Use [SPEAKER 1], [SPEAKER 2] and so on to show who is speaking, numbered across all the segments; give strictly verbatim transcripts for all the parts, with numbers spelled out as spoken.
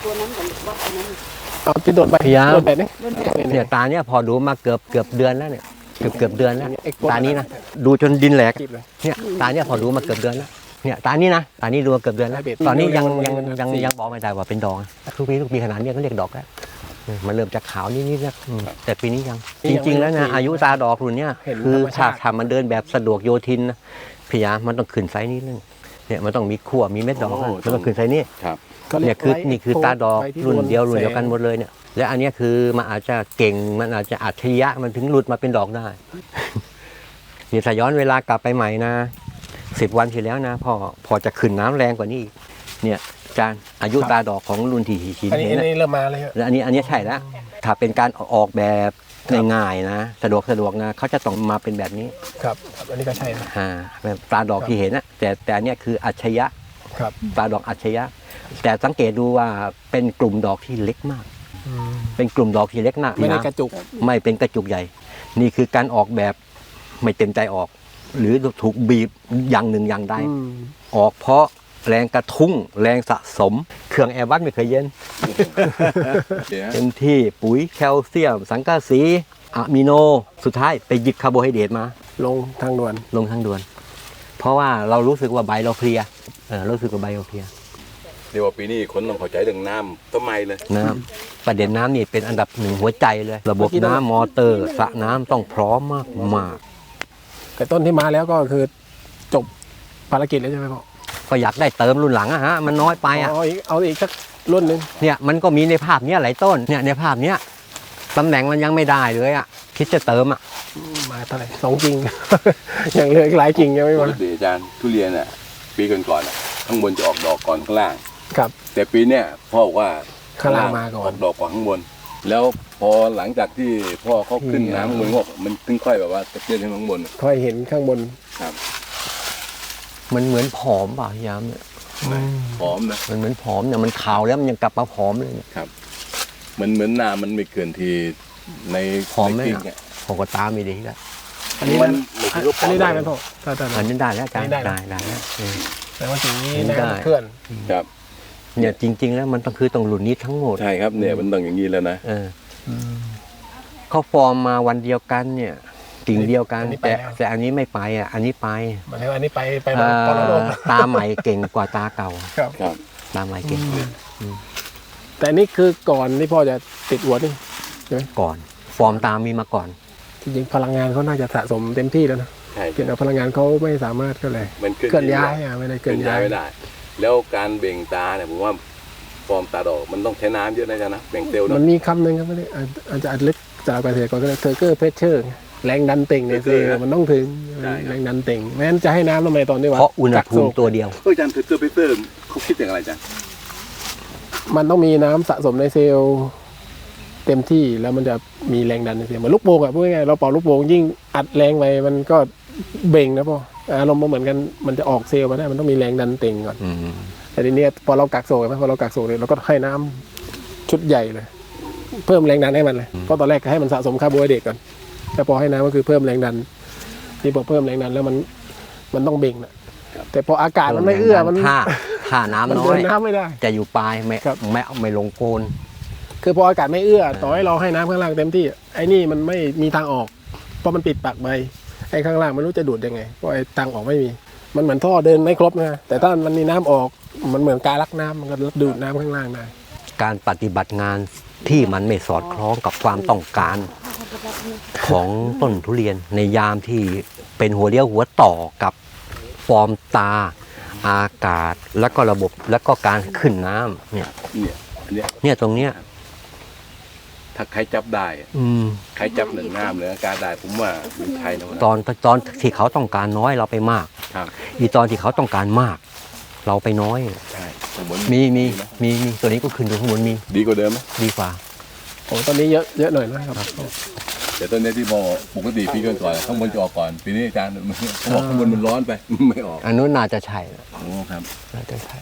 [SPEAKER 1] ตัวนั้นกับวัดตัวนั้น
[SPEAKER 2] เอาที่โดนไป
[SPEAKER 3] พยายาม
[SPEAKER 2] โดนไปนี่
[SPEAKER 3] เนี่ยตาเนี่ยพอดูมาเกือบเกือบเดือนแล้วเนี่ยเกือบเกือบเดือนแล้วตานี้นะดูจนดินแหลกเนี่ยตาเนี่ยพอดูมาเกือบเดือนแล้วเนี่ยตานี้นะตานี้ดูมาเกือบเดือนแล้วตอนนี้ยังยังยังยังบอกไม่ได้ว่าเป็นดอกทุกปีทุกปีขนาดนี้ก็เรียกดอกแล้วมันเริ่มจากขาวนิดๆนะแต่ปีนี้ยังจริงๆแล้วนะอายุตาดอกรุ่นเนี้ยคือถ้าทำมันเดินแบบสะดวกโยทินนะพยายามมันต้องขึ้นไซส์นี้นึงเนี่ยมันต้องมีขั้วมีเม็ดดอกมันต้องขึ้นไซส์นี้เนี่ยคือนี่คือตาดอกรุ่นเดียวรุ่นเดียวกันหมดเลยเนี่ยและอันนี้คือมันอาจจะเก่งมันอาจจะอัจฉริยะมันถึงหลุดมาเป็นดอกได้ นี่ถ้าย้อนเวลากลับไปใหม่นะสิบวันที่แล้วนะพอพอจะขึ้นน้ำแรงกว่านี้เนี่ยจานอายุตาดอกของรุ่นที่หิน
[SPEAKER 2] อันนี้
[SPEAKER 3] เห็น
[SPEAKER 2] อันนี้เริ่มมาเลย
[SPEAKER 3] แล้วอันนี้อันนี้ใช่แล้วถ้าเป็นการออกแบบง่ายๆนะสะดวกสะดวกนะเขาจะต้องมาเป็นแบบนี้
[SPEAKER 2] ครับอันนี้ก็ใช่นะ
[SPEAKER 3] อ่าแบบตาดอกที่เห็นนะแต่แต่อันนี้คืออัจฉริยะ
[SPEAKER 2] ครับ
[SPEAKER 3] ตาดอกอัจฉริยะแต่สังเกตดูว่าเป็นกลุ่มดอกที่เล็กมากเป็นกลุ่มดอกที่เล็กมาก
[SPEAKER 2] ไม่ได้กระจุก
[SPEAKER 3] ไม่เป็นกระจุกใหญ่นี่คือการออกแบบไม่เต็มใจออกหรือถูกบีบอย่างหนึ่งอย่างใดออกเพราะแรงกระทุ้งแรงสะสมเครื่องแอร์บัสไม่เคยเย็นเต็มที่ปุ๋ยแคลเซียมสังกะสีอะมิโนสุดท้ายไปหยิบคาร์โบไฮเดรตมา
[SPEAKER 2] ลงทางด่วน
[SPEAKER 3] ลงทางด่วนเพราะว่าเรารู้สึกว่าใบเราเพลียเออรู้สึกว่าใบเราเพลีย
[SPEAKER 4] เดี๋ยวปีนี้คนต้องเข้าใจเรื่องน้ำต้นไม้เลย
[SPEAKER 3] น้ำประเด็นน้ำนี่เป็นอันดับหนึ่งหัวใจเลยระบบน้ำมอเตอร์สระน้ำต้องพร้อมมากมาก
[SPEAKER 2] แต่ต้นที่มาแล้วก็คือจบภารกิจแล้วใช่ไหมพ่อ
[SPEAKER 3] ก็อยากได้เติมรุ่นหลังอะฮะมันน้อยไปอะ
[SPEAKER 2] เอาอีกเอาอีกสักรุ่นหนึ่ง
[SPEAKER 3] เนี่ยมันก็มีในภาพเนี้ยหลายต้นเนี่ยในภาพเนี้ยตำแหน่งมันยังไม่ได้เลยอะคิดจะเติมอะ
[SPEAKER 2] มาเท่าไหร่สองกิ่ง ยังเหลืออีกหลายกิ่งยังไม่หมด
[SPEAKER 4] อาจารย์ทุเรียนอ่ะปีก่อนๆอ่ะข้างบนจะออกดอกก่อนข้างล่าง
[SPEAKER 2] ครับ
[SPEAKER 4] แต่ปีเนี้ยพ่อบอกว่า
[SPEAKER 2] ข้างล่างมาก่อน
[SPEAKER 4] ออกดอกก่อนข้างบนแล้วพอหลังจากที่พ่อเขาขึ้นน้ำข้างบนงอกมันถึงค่อยแบบว่าตะเกียบขึ้นข้างบน
[SPEAKER 2] ค่อยเห็นข้างบน
[SPEAKER 4] ครับ
[SPEAKER 3] มันเหมือนผอมป่ะยามเนี่ย
[SPEAKER 4] ผอมนะ
[SPEAKER 3] มันเหมือนผอมเนี่ยมันขาวแล้วมันยังกลับมาผอมเลย
[SPEAKER 4] ครับมันเหมือนน้ำมันไม่เกินทีใน
[SPEAKER 3] ผอมไหมอ่ะผมก็ตามไม่ดีแล้ว
[SPEAKER 2] อันนี้มันอันนี้ได้ไหมพ่อ
[SPEAKER 3] อันนี้ได้แล้วอาจารย์ได้ได้แล้ว
[SPEAKER 2] แต่ว่าสิ่งนี้ได้เพื่อน
[SPEAKER 4] ครับ
[SPEAKER 3] เนี่ยจริงๆแล้วมันต้องคือต้องหลุดนี้ทั้งหมด
[SPEAKER 4] ใช่ครับเนี่ยมันต้องอย่างนี้แล้วนะ
[SPEAKER 3] เออเขาฟอร์มมาวันเดียวกันเนี่ยกิ่งเดียวกันแต่แต่อันนี้ไม่ไปอ่ะอันนี้ไป
[SPEAKER 2] มันอันนี้ไปไป
[SPEAKER 3] ตาใหม่เก่งกว่าตาเก่า
[SPEAKER 4] ครับ
[SPEAKER 3] ตาใหม่เก่ง
[SPEAKER 2] แต่นี่คือก่อนที่พ่อจะติดหัวนี่ใช่ไหม
[SPEAKER 3] ก่อนฟอร์มตามีมาก่อน
[SPEAKER 2] จริงๆพลังงานเขาน่าจะสะสมเต็มที่แล้วนะเกี่ยวกับพลังงานเขาไม่สามารถก็เลยเคลื่อนย้ายอ่ะไม่ได้เคลื่อนย้าย
[SPEAKER 4] ไม่ได้แล้วการเบ่งตาเนี่ยผมว่าฟอร์มตาดอกมันต้องใช้น้ำเยอะนะจ๊ะนะเบ่งเซลล์
[SPEAKER 2] มันมีคำหนึ่งครับไม่ได้อาจจะอัดลึกจากเกษตรกรก็เลยเทอร์เกอร์เพชเชอร์แรงดันเต่งเนี่ยคือมันต้องถึงแรงดันเต่งแม้นจะให้น้ำทำไมตอนนี้วะ
[SPEAKER 3] เพราะอุณหภูมิตัวเดียว
[SPEAKER 4] เอออาจารย์เทอร์เกอร์เพชเชอร์เขาคิดอย่างไรจ๊ะ
[SPEAKER 2] มันต้องมีน้ำสะสมในเซลล์เต็มที่แล้วมันจะมีแรงดันในเซลล์เหมือนลูกโป่งอ่ะพูดง่ายๆเราเป่าลูกโป่งยิ่งอัดแรงไปมันก็เบ่งนะพ่ออารมณ์เหมือนกันมันจะออกเซลล์มาได้มันต้องมีแรงดันเต่งก่อนแต่ทีนี้พอเรากักโซ่ไหมพอเรากักโซ่เลยเราก็ให้น้ำชุดใหญ่เลยเพิ่มแรงดันให้มันเลยเพราะตอนแรกให้มันสะสมคาร์โบไฮเดรตก่อนแต่พอให้น้ำก็คือเพิ่มแรงดันนี่พอเพิ่มแรงดันแล้วมันมันต้องเบ่งนะแต่พออากาศมันไม่เอื้อมัน
[SPEAKER 3] ถ้าถ้าน้ำน้อย
[SPEAKER 2] น้ำไม่ได้
[SPEAKER 3] จะอยู่ปลายไม่ไม่ไม่ลงโคน
[SPEAKER 2] คือพออากาศไม่เอื้อต่อให้เราให้น้ำข้างล่างเต็มที่ไอ้นี่มันไม่มีทางออกเพราะมันปิดปากใบไอ้ข้างล่างไม่รู้จะดูดยังไงเพราะไอ้ทางออกไม่มีมันเหมือนท่อเดินไม่ครบนะแต่ถ้ามันมีน้ำออกมันเหมือนการลักน้ำมันก็ดูดน้ำข้างล่างได้
[SPEAKER 3] การปฏิบัติงานที่มันไม่สอดคล้องกับความต้องการของต้นทุเรียนในยามที่เป็นหัวเลี้ยวหัวต่อกับฟอร์มตาอากาศแล้วก็ระบบแล้วก็การขึ้นน้ำเนี่ย
[SPEAKER 4] เนี่ย
[SPEAKER 3] เนี่ยตรงเนี้ย
[SPEAKER 4] ถ้าใครจับได้ใครจับหนึ่งน้ำหรืออาการได้ผมว่าเป็นไทยนะ
[SPEAKER 3] ตอนตอนที่เขาต้องการน้อยเราไปมากอีตอนที่เขาต้องการมากเราไปน้อย
[SPEAKER 4] ใช่
[SPEAKER 3] มีมีมีมีตัวนี้ก็ขึ้นดูข้างบนมี
[SPEAKER 4] ดีกว่าเดิมไหม
[SPEAKER 3] ดีกว่า
[SPEAKER 2] โอ้ตอนนี้เยอะเยอะหน่อยนะครับ
[SPEAKER 4] แต่ต้นนี้ที่บอกปกติปีก่อนก่อนข้างบนจะออกก่อนปีนี้อาจารย์เขาบอกข้างบนมันร้อนไปไม่ออก
[SPEAKER 3] อันนู้นน่าจะใช่
[SPEAKER 4] โอ้ครับ
[SPEAKER 3] น่าจะใช่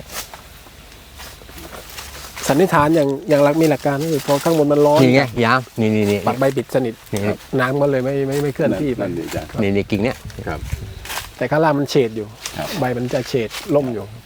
[SPEAKER 2] สันนิษฐานอย่างอย่างหลักมีหลักการก็คือพอข้างบนมันร้อน
[SPEAKER 3] นี่ไงยามนี่นี่นี่
[SPEAKER 2] ปักใบบิดสนิทน้ำมันเลยไม่ไม่ไม่เคลื่อนที่ไป
[SPEAKER 3] นี่นี่กิ่งเนี้ย
[SPEAKER 4] ครับ
[SPEAKER 2] แต่ข้างล่างมันเฉดอยู่ใบมันจะเฉดล่มอยู่